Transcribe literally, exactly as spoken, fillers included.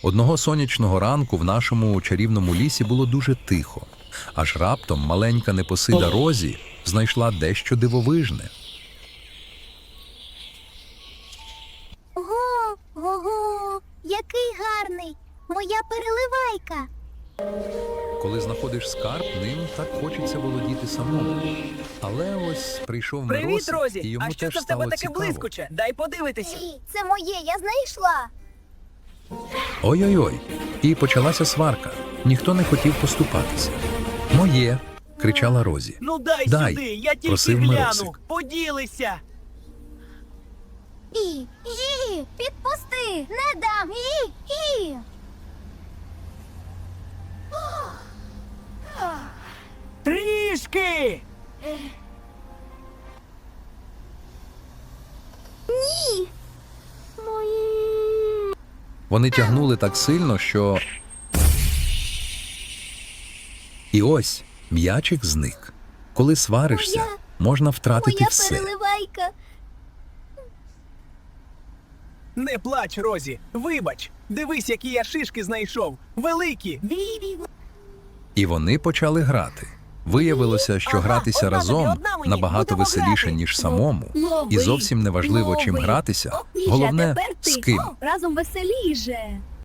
Одного сонячного ранку в нашому чарівному лісі було дуже тихо. Аж раптом маленька непосида Розі знайшла дещо дивовижне. Ого, ого, який гарний! Моя переливайка! Коли знаходиш скарб, ним так хочеться володіти самому. Але ось прийшов Привіт, Мороз, і Розі! йому А що теж це в тебе стало таке цікаво. блискуче? Дай подивитися. Це моє, я знайшла! Ой-ой-ой. І почалася сварка. Ніхто не хотів поступатися. «Моє!» – кричала Розі. Ну дай, Дай, сюди, я тільки просив гляну. Морозик. Поділися. І, і, підпусти! Не дам! І, і! Трішки! Ні! Мої... Вони тягнули так сильно, що... І ось м'ячик зник. Коли сваришся, Моя- можна втратити Моя все. переливайка! Не плач, Розі. Вибач. Дивись, які я шишки знайшов. Великі. І вони почали грати. Виявилося, що Ага, гратися одна разом тобі, одна мені. набагато Будемо веселіше, грати. ніж самому. Лови, І зовсім не важливо, чим лови. гратися. О, Міша, Головне, тепер ти. з ким. О, разом веселіше!